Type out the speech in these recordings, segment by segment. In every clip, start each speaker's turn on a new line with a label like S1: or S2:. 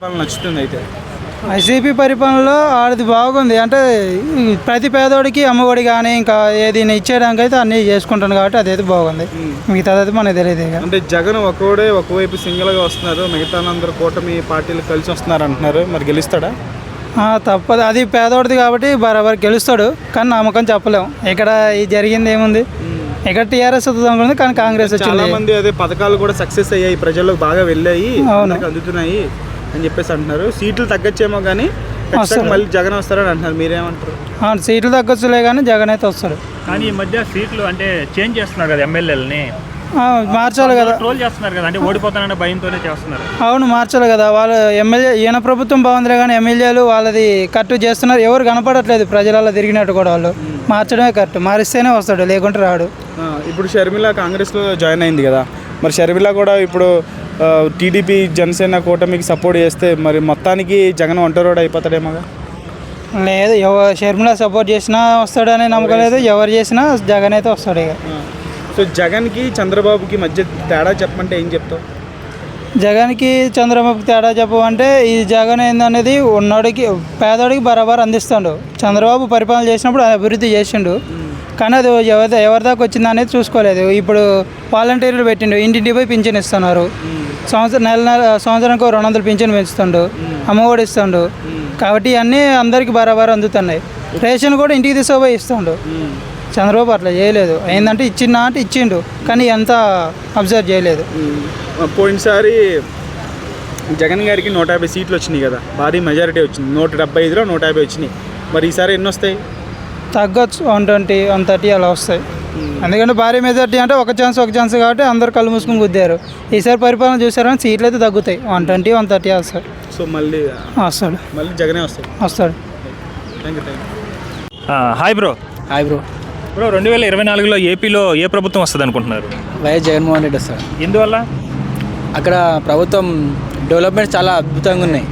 S1: నచ్చుతుంది అయితే
S2: వైసీపీ పరిపాలనలో ఆడిది బాగుంది. అంటే ప్రతి పేదోడికి అమ్మఒడి కానీ ఇంకా ఏది ఇచ్చేయడానికి అయితే అన్నీ చేసుకుంటాను కాబట్టి అదైతే బాగుంది. మిగతాది మనకు తెలియదు.
S1: అంటే జగన్ ఒకవైపు సింగిల్గా వస్తున్నారు, మిగతా అందరూ కూటమి పార్టీలు కలిసి వస్తున్నారు అంటున్నారు. మరి గెలుస్తాడా?
S2: తప్పదు, అది పేదోడిది కాబట్టి బరాబర్ గెలుస్తాడు. కానీ నమ్మకం చెప్పలేము. ఇక్కడ జరిగింది ఏముంది, ఇక్కడ టీఆర్ఎస్ వస్తుంది కానీ కాంగ్రెస్ వచ్చింది.
S1: చాలా మంది అదే పథకాలు కూడా సక్సెస్ అయ్యాయి, ప్రజలకు బాగా వెళ్ళాయి, అందుతున్నాయి అని చెప్పేసి అంటున్నారు. సీట్లు తగ్గచ్చేమో కానీ మళ్ళీ జగన్ వస్తారని అంటున్నారు. మీరేమంటారు?
S2: సీట్లు తగ్గొచ్చులే కానీ జగన్ అయితే వస్తాడు.
S3: కానీ ఈ మధ్య సీట్లు అంటే చేంజ్ చేస్తున్నారు కదా, ఎమ్మెల్యేలని
S2: మార్చాలి కదా,
S3: ట్రోల్ చేస్తున్నారు కదా, అంటే ఓడిపోతానన్న భయంతోనే చేస్తున్నారు.
S2: అవును, మార్చాలి కదా. వాళ్ళు ఎమ్మెల్యే ఈయన ప్రభుత్వం బాగుందిలే కానీ ఎమ్మెల్యేలు వాళ్ళది కరెక్ట్ చేస్తున్నారు. ఎవరు కనపడట్లేదు ప్రజలలో తిరిగినట్టు కూడా. వాళ్ళు మార్చడమే కరెక్ట్, మారిస్తేనే వస్తాడు, లేకుంటే రాడు.
S1: ఇప్పుడు షర్మిల కాంగ్రెస్లో జాయిన్ అయింది కదా, మరి షర్మిల కూడా ఇప్పుడు టీడీపీ జనసేన కూటమికి సపోర్ట్ చేస్తే మరి మొత్తానికి జగన్ ఒంటరివాడు అయిపోతాడేమో.
S2: లేదు, షర్మిల సపోర్ట్ చేసినా వస్తాడనే నమ్మకం లేదు. ఎవరు చేసినా జగన్ అయితే వస్తాడు. ఇక
S1: సో జగన్కి చంద్రబాబుకి మధ్య తేడా చెప్పమంటే ఏం చెప్తావు?
S2: జగన్కి చంద్రబాబుకి తేడా చెప్పమంటే ఈ జగన్ ఏందనేది ఉన్నోడికి పేదోడికి బరాబర్ అందిస్తాడు. చంద్రబాబు పరిపాలన చేసినప్పుడు అభివృద్ధి చేసిండు, కానీ అది ఎవరి దాకా వచ్చింది అనేది చూసుకోలేదు. ఇప్పుడు వాలంటీర్లు పెట్టిండు, ఇంటింటి పోయి పింఛన్ ఇస్తున్నారు. సంవత్సరానికి 200 పింఛన్ పెంచుతుండు, అమ్మఒడి ఇస్తుండు. కాబట్టి ఇవన్నీ అందరికీ బరాబర్ అందుతున్నాయి. రేషన్ కూడా ఇంటికి తీసుకుపోయి ఇస్తుండు. చంద్రబాబు అట్లా చేయలేదు. ఏంటంటే ఇచ్చిందా అంటే ఇచ్చిండు, కానీ ఎంత అబ్జర్వ్ చేయలేదు.
S1: పోయినసారి జగన్ గారికి 150 సీట్లు వచ్చినాయి కదా, భారీ మెజారిటీ వచ్చింది. 175లో 150 వచ్చినాయి. మరి ఈసారి ఎన్ని వస్తాయి?
S2: తగ్గొచ్చు, 120, 130 అలా వస్తాయి. ఎందుకంటే భారీ మెజారిటీ అంటే ఒక ఛాన్స్ కాబట్టి అందరు కళ్ళు మూసుకుని గుద్దారు. ఈసారి పరిపాలన చూసారని సీట్లు అయితే తగ్గుతాయి, 120, 130 వస్తాయి.
S1: సో మళ్ళీ
S2: వస్తాడు,
S1: మళ్ళీ జగనే వస్తాడు.
S3: Thank you. Hi bro.
S2: Hi bro.
S3: 2024లో ఏపీలో ఏ ప్రభుత్వం వస్తుంది అనుకుంటున్నారు?
S2: వైఎస్ జగన్మోహన్ రెడ్డి వస్తాడు.
S3: ఎందువల్ల?
S2: అక్కడ ప్రభుత్వం డెవలప్మెంట్ చాలా అద్భుతంగా ఉన్నాయి.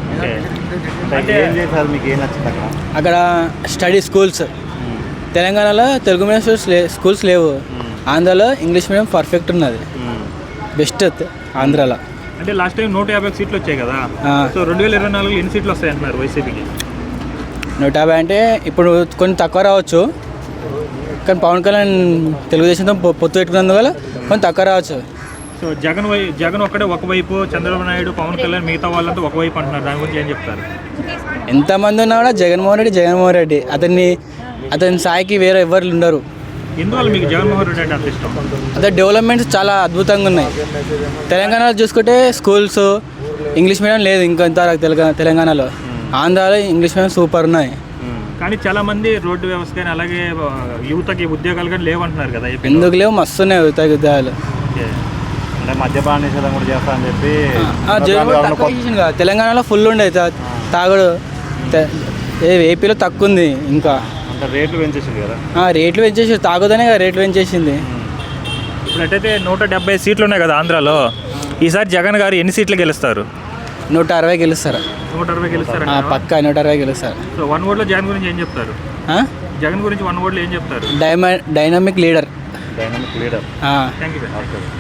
S2: అక్కడ స్టడీ స్కూల్స్, తెలంగాణలో తెలుగు మీడియం స్కూల్స్ లేవు. ఆంధ్రాలో ఇంగ్లీష్ మీడియం పర్ఫెక్ట్ ఉన్నది, బెస్ట్ ఆంధ్రాలో.
S3: అంటే లాస్ట్ టైం 150 సీట్లు వచ్చాయి కదా, సో 2024లో ఎన్ని సీట్లు వస్తాయి అంటున్నారు వైసీపీకి?
S2: 150 అంటే ఇప్పుడు కొంచెం తక్కువ రావచ్చు, కానీ పవన్ కళ్యాణ్ తెలుగుదేశంతో పొత్తు పెట్టుకున్నందువల్ల కొంచెం తక్కువ రావచ్చు.
S3: సో జగన్ ఒక్కడే ఒకవైపు, చంద్రబాబు నాయుడు, పవన్ కళ్యాణ్ మిగతా వాళ్ళంతా ఒకవైపు అంటున్నారు. దాని గురించి ఏం చెప్తారు?
S2: ఎంతమంది ఉన్నా కూడా జగన్మోహన్ రెడ్డి అతని స్థాయికి వేరే ఎవరు ఉండరు.
S3: ఎందువల్ల మీకు జగన్మోహన్ రెడ్డి అంటే అంత ఇష్టం?
S2: అదే డెవలప్మెంట్స్ చాలా అద్భుతంగా ఉన్నాయి. తెలంగాణలో చూసుకుంటే స్కూల్స్ ఇంగ్లీష్ మీడియం లేదు ఇంకా తెలంగాణలో. ఆంధ్రాలో ఇంగ్లీష్ మీడియం సూపర్ ఉన్నాయి.
S3: కానీ చాలా మంది రోడ్డు వ్యవస్థ కానీ అలాగే యువతకి ఉద్యోగాలు కానీ లేవంటున్నారు కదా.
S2: ఎందుకు లేవు? మస్తు ఉన్నాయి యువతకి ఉద్యోగాలు.
S3: అంటే మద్యపాన నిషేధం కూడా చేస్తా అని చెప్పి
S2: తెలంగాణలో ఫుల్ ఉండే తాగుడు, ఏపీలో తక్కువ ఉంది. ఇంకా
S3: రేట్లు పెంచేసింది కదా.
S2: రేట్లు పెంచేసి తాగుదనే కదా రేట్లు పెంచేసింది.
S3: ఇప్పుడు అట్టయితే 170 సీట్లు ఉన్నాయి కదా ఆంధ్రాలో. ఈసారి జగన్ గారు ఎన్ని సీట్లు గెలుస్తారు?
S2: 160 గెలుస్తారు.
S3: 160 గెలుస్తారు
S2: పక్కా 160 గెలుస్తారు.
S3: సో 1 ఓట్లో జగన్ గురించి ఏం చెప్తారు? జగన్ గురించి 1 ఓట్లో ఏం చెప్తారు?
S2: Dynamic leader.
S3: Thank you.